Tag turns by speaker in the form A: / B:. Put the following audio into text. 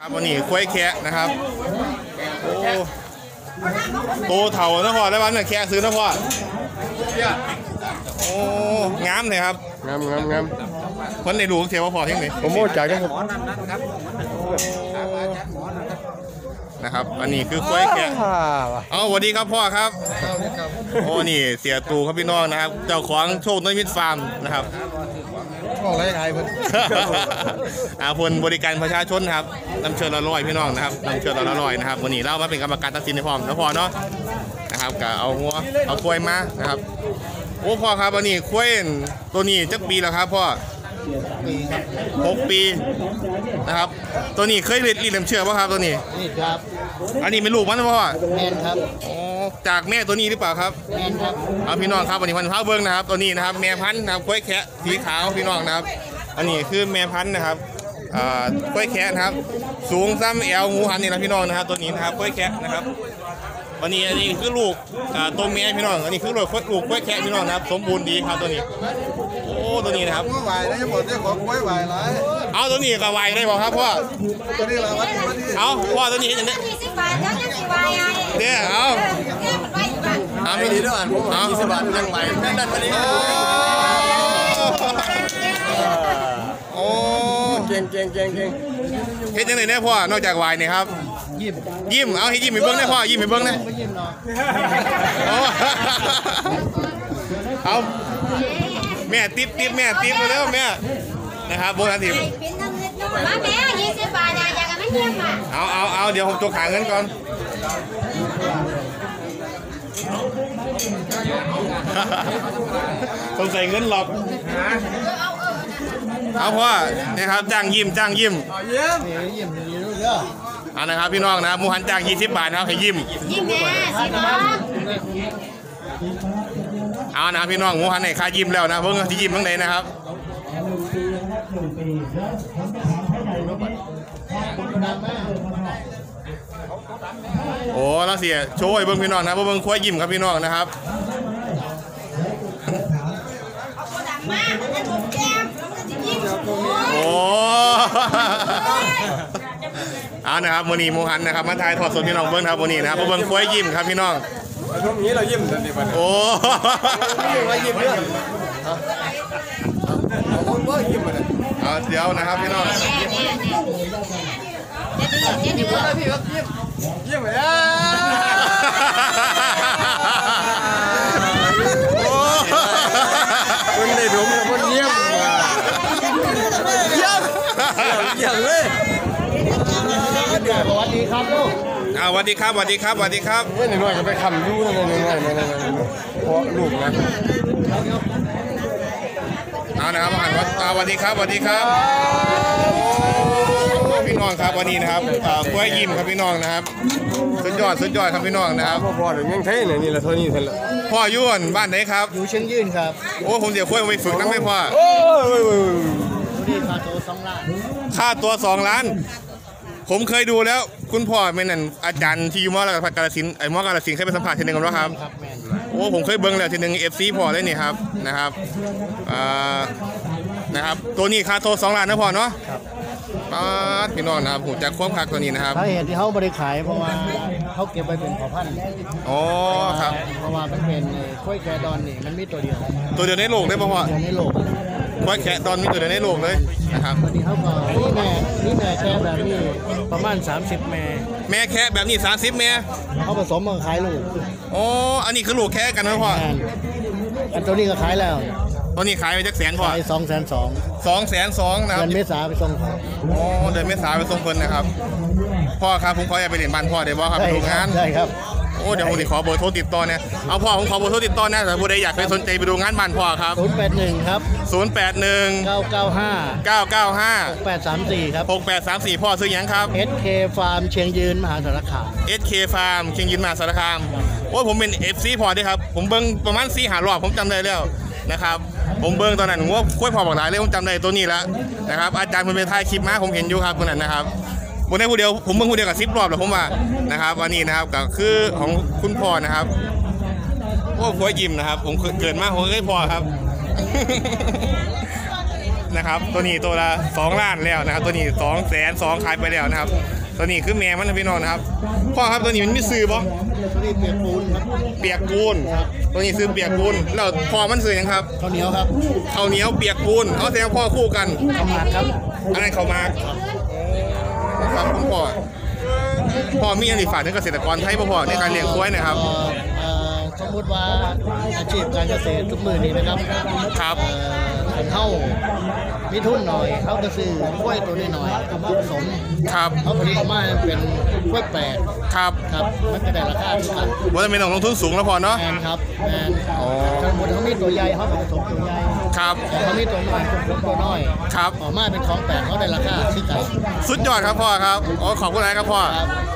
A: ครับวันนี้ควายแคะนะครับโอ้โตเถ่านะพ่อได้วันเนี่ยแคะซื้อนะพ่อโอ้งามเลยครับ
B: งาม
A: คนในดูเทียบว่าพอเที่ยงไหน
B: ผมโม่จ่ายครับ
A: นะครับอันนี้คือควายแคะเอาสวัสดีครับพ่อครับโอ้นี่เสียตูครับพี่น้องนะครับเจ้าของโชคน้อยมิตรฟาร์มนะครับ
B: บอกอะไรเพิ่น
A: ผลบริการประชาชนครับนำเชิญละร้อยพี่น้องนะครับนำเชิญละร้อยนะครับวันนี้เรามาเป็นกรรมการตัดสินในพร้อมนะพ่อเนาะนะครับก็เอาหัวเอาควายมานะครับโอ้พ่อครับวันนี้ควายตัวนี้จักปีแล้วครับพ่อ6 ปีนะครับตัวนี้เคยรีดน้ำเชื่อป่ะครับตัวนี้
B: นี่ครับ
A: อันนี้เป็นลูกมันนะพ่อ
B: แม่นครับ
A: อ๋อจากแม่ตัวนี้หรือเปล่าครับ
B: แม่นครับ
A: เอาพี่น้องครับวันนี้พันธุ์พาเบิ้งนะครับตัวนี้นะครับแม่พันธุ์นะครับควายแคะสีขาวพี่น้องนะครับอันนี้คือแม่พันธุ์นะครับควายแคะนะครับสูงซ้ำแอลงูหันนี่นะพี่น้องนะครับตัวนี้นะครับควายแคะนะครับวันนี้อันนี้คือลูกตัวแม่พี่น้องอันนี้คือลูกควายแคะพี่น้องนะครับสมบูรณ์ดีครับตัวนี้โอ้ตัวนี้นะครับ
B: ไหวได้หมดได้ของควายไหวหลาย
A: เอาตัวนี้ก็ไหวได้บอกครับพ่อ
B: ตัวนี้ละวัน
A: เอาพ่อตัวนี้เห็นยังไงเนี่ยเอา
B: ไม่ดีด้วยผม20 บาทยังไหวแม่นั่นวันนี้
A: โอ้
B: เก่งเ
A: เฮ็ดยังไงเนี่ยพ่อนอกจากวายนี่ครับยิ้มเอาให้ยิ้มให้เบิ้งได้พ่อยิ้มให้เบิ้งได้เอาแม่ติ๊บแม่ติ๊บมาแล้วแม่นะครับโบราณทิพย์
C: มาแม่20 บาทอยากกันไม่เงียบอ่ะ
A: เอาเดี๋ยวผมตัวขาเงินก่อนต้องใส่เงินหลอกเอาพ่อนะครับจ้างยิ้มเอานะครับพี่น้องนะมูฮันจ้าง20 บาทนะครับให้ยิ้ม
C: แม่สิน้อง
A: เอานะพี่น้องมูฮันให้ค่ายิ้มแล้วนะเพิ่งที่ยิ้มทั้งไหนนะครับโอ้แล้วเสียโชว์ให้เบิ้งพี่น้องนะเบิ้งควายยิ้มครับพี่น้องนะครับโอ้เอานะครับวันนี้มูฮันนะครับมาถ่ายทอดสดพี่น้องเบิ้งครับวันนี้นะครับเบิ้งควายยิ้มครับพี่น้อง
B: ช่วงนี้เรายิ้มทันทีวัน
A: โอ้
B: ยิ้มเรื่องคนว่ายิ้มมาเนี่ย
A: เดี๋ยวนะครับพี่น้อง
B: ยิ้มอะไรพี่ครับยิ้มเลยคนได้ดมแล้วคนเยี่ยมเลยสวัสดีครับลูก
A: สวัสดีครับ
B: ไม่หน่อยก็ไปคำดูนะเพราะลูกนะ
A: เอานะครับอาหารวัดสวัสดีครับพี่น้องครับวันนี้นะครับกล้วยยิ้มครับพี่น้องนะครับสุดยอดครับพี่น้องนะครับ
B: พ่อเดี๋ยวยังเท่เนี่ยนี่แหละเท่านี้เท่านั้น
A: พ่อยุ่นบ้านไหนครับ
B: อยู่เชียงยืนครับ
A: โอ้ผมเดี๋ยวกล้วยไปฝึกนั่งไม่พ่อ
B: นี่ค่าตัว2 ล้าน
A: ค่าตัว2 ล้านผมเคยดูแล้วคุณพ่อเป็นนั่นอาจารย์ที่อยู่มอกับกาฬสินธุ์มอกาฬสินธุ์เคยไปสัมผัสทีนึงกันว่าครับโอ้ผมเคยเบิ้งแล้วทีนึง FC พ่อเลยนี่ครับนะครับตัวนี้ค่าตัว2 ล้านนะพ่อเนาะพี่น้องนะครับผมจะควบคักตัวนี้นะครับ
B: สาเหตุที่เขาบริขายเพราะว่าเขาเก็บไปเป็นขอพันธุ์
A: อ๋อครับ
B: เพราะว่ามันเป็นกล้วยแกดอนนี่มันมีตัวเดียว
A: ในโลกได้ป่ะพ่อ
B: ในโลก
A: กล้วยแคะดอนมีตัวเดียวในโลกเลยนะครับ
B: วันนี้เขาก็นี่แม่แค่แบบนี้ประมาณ30 แม่
A: แคะแบบนี้30 แม่
B: เขาผสมมาขายลูก
A: อ๋ออันนี้คือลูกแคะกันนะพ่อ
B: อันตัวนี้ก็ขายแล้ว
A: ตัวนี้ขายไปจักแสนพ่อ
B: 202,000
A: นะครับ
B: เดือนเมษาไปส่ง
A: อ๋อเดือนเมษาไปส่งเพิ่นนะครับพ่อครับผมขออยากไปเรียนบ้านพ่อได้บ่ครับไปดูงาน
B: ได้ครับ
A: โอ้เดี๋ยวผมขอเบอร์โทรติดต่อเนี่ยเอาพ่อผมขอเบอร์โทรติดต่อนะแต่ผู้ใดอยากไปสนใจไปดูงานบ้านพ่อครับ
B: 081ครับ995 6834ครับ
A: 6834พ่อซื้อยังครับ
B: SK Farm เชียงยืนมหาสารคาม
A: SK Farm เชียงยืนมหาสารคามโอ้ผมเป็น FC พ่อด้วยครับผมเบิ่งประมาณ4-5 รอบผมจำได้แล้วนะครับผมเบิ่งตอนนั้นผมว่าคุ้ยพอบอกหลายเลยผมจำได้ตัวนี้แล้วนะครับอาจารย์มันเป็นถ่ายคลิปมาผมเห็นอยู่ครับคนนั้นนะครับผมได้ผู้เดียวผมเบิ่งผู้เดียวกับ10 รอบแล้วผมว่านะครับวันนี้นะครับก็คือของคุณพ่อนะครับโอ้คุ้ยยิ้มนะครับผมเกิดมาผมเคยพ่อครับนะครับตัวนี้ตัวละ2 ล้านแล้วนะครับตัวนี้200,000ขายไปแล้วนะครับตัวนี้คือแม่มันนะพี่น้องนะครับพ่อครับตัวนี้มันมีซื้อบ่
B: ตัวนี้เปียกปูนครับ
A: เปียกปูนตัวนี้ซื้อเปียกปูนแล้วพ่อมันซื้อยังครับ
B: ข้าวเหนียวครับ
A: ข้าวเหนียวเปียกปูนเอาแสดงพ่อคู่กัน
B: ข้าวหมากครับ
A: อะไรเขามาครับคุณพ่อมีอันนี้ฝากถึงเกษตรกรไทยพ่อในการเลี้ยงควายนะครับ
B: สมมติว่าอาชีพการเกษตรทุกมือนี้นะครับ
A: ครับ
B: เข้ามีทุนหน่อยเขาก็ซื้อกล้วยตัวนี้หน่อยเอามาผสม
A: ครับ
B: เขาผลิตออกมาเป็นกล้วยแปลก
A: ครับ
B: ครับมันก็ได้ราคาที่กัน
A: ว่าจะเป็นต้องลงทุนสูงแล้วพอเนาะ
B: แมนครับแมน
A: อ๋อ
B: สมมติเขามีตัวใหญ่เขาก็ผสมตัวใหญ่
A: ครับ
B: แต่เขามีตัวน้อยผสมตัวน้อย
A: ครับ
B: ออกมาเป็นของแปลกเขาได้ราคาที่กัน
A: สุดยอดครับพ่อครับอ๋อขอบคุณอะไรครับพ่อ
B: ครับ